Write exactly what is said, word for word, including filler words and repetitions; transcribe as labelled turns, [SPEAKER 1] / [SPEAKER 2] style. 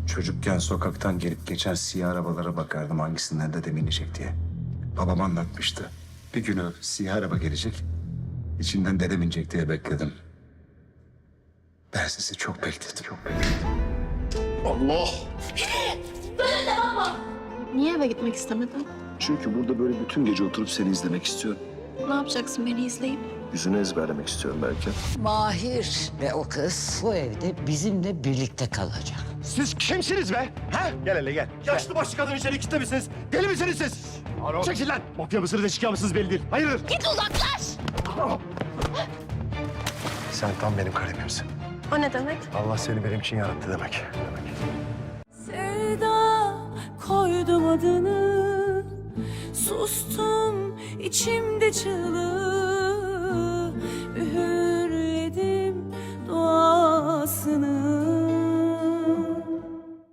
[SPEAKER 1] Çocukken sokaktan gelip geçen siyah arabalara bakardım hangisinden dedem inecek diye. Babam anlatmıştı. Bir günü siyah araba gelecek, içinden dedem inecek diye bekledim. Ben sizi çok bekledim, çok bekledim.
[SPEAKER 2] Allah!
[SPEAKER 3] Niye eve gitmek istemedin?
[SPEAKER 2] Çünkü burada böyle bütün gece oturup seni izlemek istiyorum.
[SPEAKER 3] Ne yapacaksın beni izleyip?
[SPEAKER 2] Yüzünü ezberlemek istiyorum belki.
[SPEAKER 4] Mahir ve o kız bu evde bizimle birlikte kalacak.
[SPEAKER 5] Siz kimsiniz be? Ha? Gel hele gel. Yaşlı başlı kadın içeri kilitlemişsiniz. Deli misiniz siz? Çekil lan. Mafya mısınız, eşkıya mısınız belli değil. Hayırdır?
[SPEAKER 3] Git uzaklaş!
[SPEAKER 5] Sen tam benim kalemimsin.
[SPEAKER 3] O ne demek?
[SPEAKER 5] Allah seni benim için yarattı demek. demek.
[SPEAKER 6] Sevda koydum adını, sustum içimde çığlık.